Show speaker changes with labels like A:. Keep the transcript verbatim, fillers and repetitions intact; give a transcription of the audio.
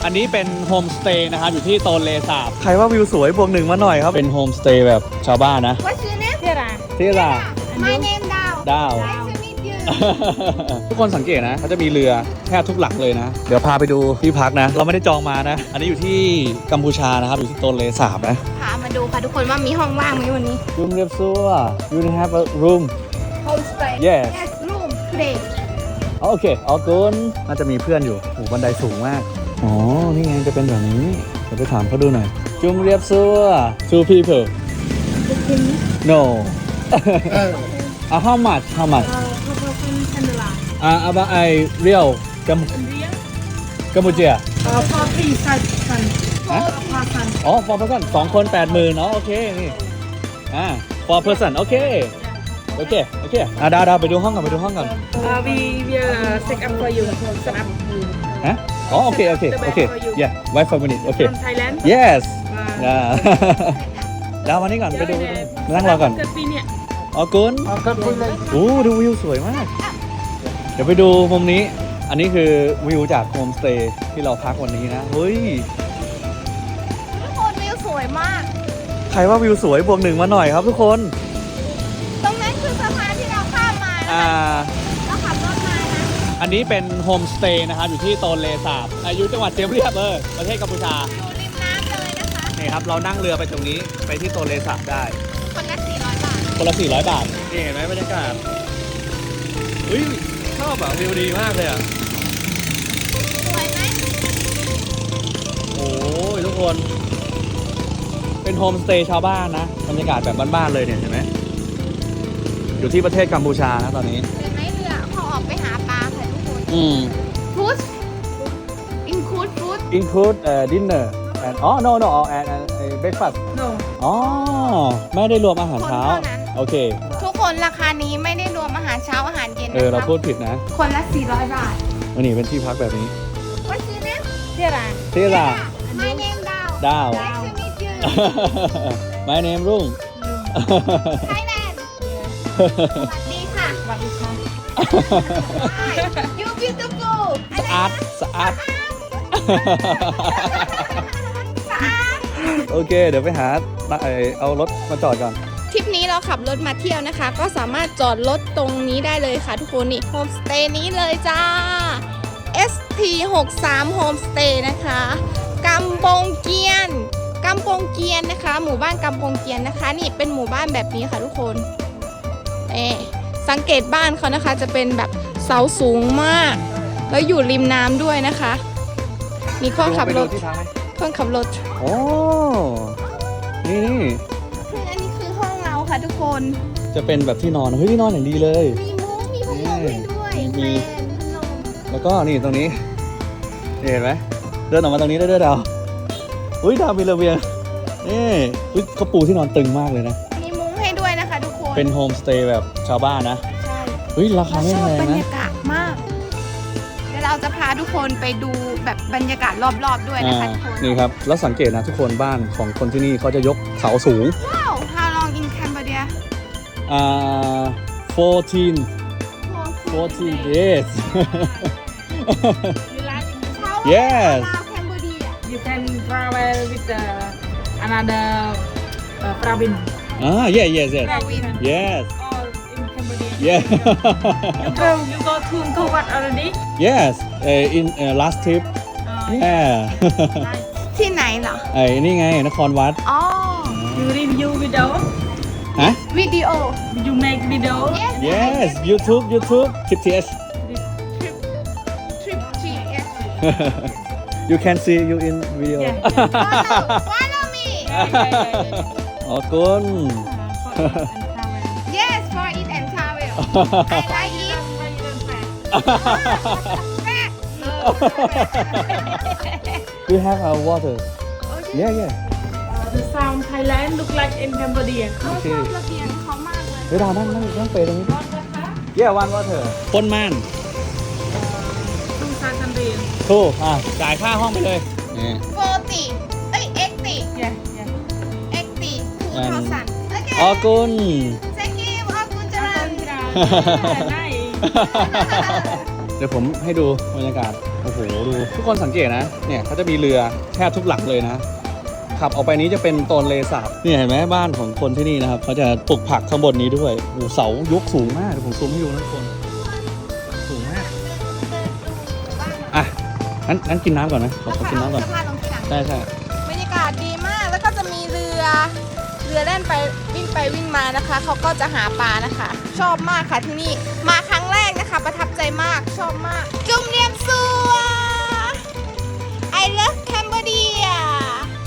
A: อันนี้เป็นโฮมสเตย์นะครับอยู่ที่โตนเลสาบใครว่าวิวสวยบวกหนึ่งมาหน่อยครับเป็นโฮมสเตย์แบบชาวบ้านนะ
B: What's your name?
C: Tira.
A: ที่ล่ะ
B: My name Dao.
A: ดาว
B: Nice to meet you.
A: ทุกคนสังเกตนะเขาจะมีเรือแทบทุกหลังเลยนะเดี๋ยวพาไปดูที่พักนะเราไม่ได้จองมานะอันนี้อยู่ที่กัมพูชานะครับอยู่ที่โตนเลสาบนะ
B: พามาดูค่ะทุกคนว่ามีห้องว่างไหมวันนี้
A: room เรียบซัว you have a room
B: Homestay.
A: Yes.
B: Yes, room today.
A: โอเคออกุนน่าจะมีเพื่อนอยู่โอ้บันไดสูงมากอ๋อนี่ไงจะเป็นแบบนี้เดี๋ยวไปถามเขาดูหน่อยจุมเรียบซัว two people no อ่ะ how much how muchอ่ะ about I real กัมกัมพูชา
C: Uh, for three person.
A: Huh?
C: Four person.
A: อ๋อ four person สองคนแปดหมื่นอ๋อโอเคนี่อ่า four person โอเคโอเคโอเคอ่ะดาวดาวไปดูห้องก่อนไปดูห้องก่อน
C: Uh, we will uh, set up for you. Set up
A: ฮะอ๋อโอเคโอเคโอเค yeah wait for a minute โอเค
C: from Thailand.
A: yes
C: Wow.
A: อ่า ดาวมานี่ก่อนไปดูไปดูมานั่งรอก่อน
C: เกิดปีเนี่ย
A: อ๋อกุนโอ้ดูวิวสวยมาก เดี๋ยวไปดูมุมนี้ อันนี้คือวิวจากโฮมสเตย์ที่เราพักวันนี้นะเฮ้ย
B: ทุกคนวิวสวยมาก
A: ใครว่าวิวสวยบวกหนึ่งมาหน่อยครับทุกคน
B: ตรงนั้นคือสะพานที่เราข้ามมานะ
A: อ่า
B: เราขับรถมานะ
A: อันนี้เป็นโฮมสเตย์นะครับอยู่ที่โตนเลสาบอยู่จังหวัดเซียมเรียบเออประเทศกัมพูชา
B: อยู่ริมน้ำเลยนะคะ
A: นี่ครับเรานั่งเรือไปตรงนี้ไปที่โตนเลสาบได้
B: คนละสี่ร้อยบาท
A: คนละสี่ร้อยบาทนี่เห็นไหมบรรยากาศเฮ้ยชอบอ่ะวิวดีมากเลยอ่ะ
B: สวยไหม
A: โอ้ยทุกคนเป็นโฮมสเตย์ชาวบ้านนะบรรยากาศแบบบ้านๆเลยเนี่ยเห็นไหมอยู่ที่ประเทศกัมพูชานะตอนนี้
B: เห็นไหมเรือเขาออกไปหาปลาค่ะทุกคน
A: อืม
B: ฟู้ดอินคูดฟู้ด
A: include uh, dinner and อ๋อ no no and and uh, breakfast
C: no
A: อ๋อไม่ได้รวมอาหารเช้าโอเค
B: ทุกคนราคานี้ไม่ได้รวมอาหารเช้าอาหารเย็น
A: เออ
B: นะ
A: เรา
B: คะ
A: พูดผิดนะ
B: คนละสี่ร้อยบาท
A: อันนี้เป็นที่พักแบบนี้
B: What's your name?
C: Tira.
A: ที่ล่ะ
B: My name Dao.
A: ดาว
B: Nice to meet you.
A: my name รุ่ง
B: Thailand. สวัสดีค่ะ
C: สวัสดีค่ะ
B: Hi. You beautiful.
A: สะอาดสะอาด
B: สะอาด
A: โอเค เดี๋ยวไปหาเอ่อเอารถมาจอดก่อน
B: ทริปนี้เราขับรถมาเที่ยวนะคะ ก็สามารถจอดรถตรงนี้ได้เลยค่ะทุกคนนี่โฮมสเตย์นี้เลยจ้า เอส ที หกสาม Home Stay นะคะกำปงเกียนกำปงเกียนนะคะ หมู่บ้านกำปงเกียนนะคะ นี่เป็นหมู่บ้านแบบนี้ค่ะทุกคนเอ๊สังเกตบ้านเขานะคะจะเป็นแบบเสาสูงมาก แล้วอยู่ริมน้ำด้วยนะคะมีคนขับรถ
A: ไปดูที่พักไหม
B: คนขับรถ
A: โอ้ นี่นี่
B: คืออันนี้คือห้องเราค่ะทุกคน
A: จะเป็นแบบที่นอน เฮ้ยที่นอนอย่างดีเลย
B: มีมุ้งมีพัดลมให้ด้วย
A: มี
B: แฟนพัดลม
A: แล้วก็นี่ตรงนี้นี่เห็นไหมเดินออกมาตรงนี้ได้ด้วยดาวอุ้ยดาวมีระเบียงนี่อุ้ยเขาปูที่นอนตึงมากเลยนะ
B: มีมุ้งให้ด้วยนะคะทุกคน
A: เป็นโฮมสเตย์แบบชาวบ้านนะ
B: ใช่
A: เฮ้ยราคา
B: เรา
A: ไม่
B: ชอบ
A: แพง
B: บรร
A: นะ
B: ยากาศมาก เดี๋ยวเราจะพาทุกคนไปดูแบบบรรยากาศรอบๆด้วยนะ
A: อ่า
B: คะทุกคน
A: นี่ครับ แล้วสังเกตนะทุกคนบ้านของคนที่นี่เขาจะยกเสาสูง
B: ว้าว How long in Cambodia
A: อ่าfourteen fourteen years
C: you like
A: Yes.
B: Cambodia
C: you can travel with the another uh, province
A: ah yeah yes yes
B: Province
A: yes
C: all in Cambodia
A: yeah
C: you go you go to Angkor Wat already
A: yes uh, in uh, last trip
C: uh,
A: yeah
C: nice
B: ที่ไหนเหรอ
A: ไอ้นี่ไงนครวัด
B: อ๋อ
C: you review video
A: ฮะ
B: วิดีโอ
C: you make video
B: yes
A: yes YouTube YouTube Trip ที เอช
B: trip trip G S
A: you can see you in video
C: Yeah.
B: follow follow me
C: yeah, yeah, yeah, yeah.
A: อ๋อคุณ
C: Uh, for eat and travel.
B: yes for it and travel I like it
C: Why you don't fat?
B: back
A: we have our water
B: okay
A: yeah yeah
C: Uh, the sound Thailand look like in Cambodia.
B: เขาชอบระเบียงเขามากเลย
A: เฮ้ยดาวนั่งนั่งนั่งเปรย์ตรงนี้ yeah one water ปนม่าน
C: Two thousand riel.
A: ถูกอ่ะจ่ายค่าห้องไปเลยนี่
B: forty เอ้ย eighty
C: Yeah, yeah.
B: eighty two thousand โอเค
A: อ๋อคุณ
B: thank you ขอบคุณจัง
C: Yeah, nice.
A: เดี๋ยวผมให้ดูบรรยากาศโอ้โหดูทุกคนสังเกตนะเนี่ยเขาจะมีเรือแทบทุกหลังเลยนะขับออกไปนี้จะเป็นโตนเลสาบนี่เห็นไหมบ้านของคนที่นี่นะครับเขาจะปลูกผักข้างบนนี้ด้วยโอ้เสายกสูงมากผมซูมให้ดูนะทุกคนสูงมากอ่ะงั้นงั้นกินน้ำก่อนนะขอขอกินน้ำก่อน
B: เสื้อผ้าลงที่หลัง
A: ใช่ใช่
B: บรรยากาศดีมากแล้วก็จะมีเรือเรือแล่นไปวิ่งไปวิ่งมานะคะเขาก็จะหาปลานะคะ ชอบมากค่ะที่นี่มาครั้งแรกนะคะ ประทับใจมากชอบมากจุ่มเรียมซัว I love Cambodia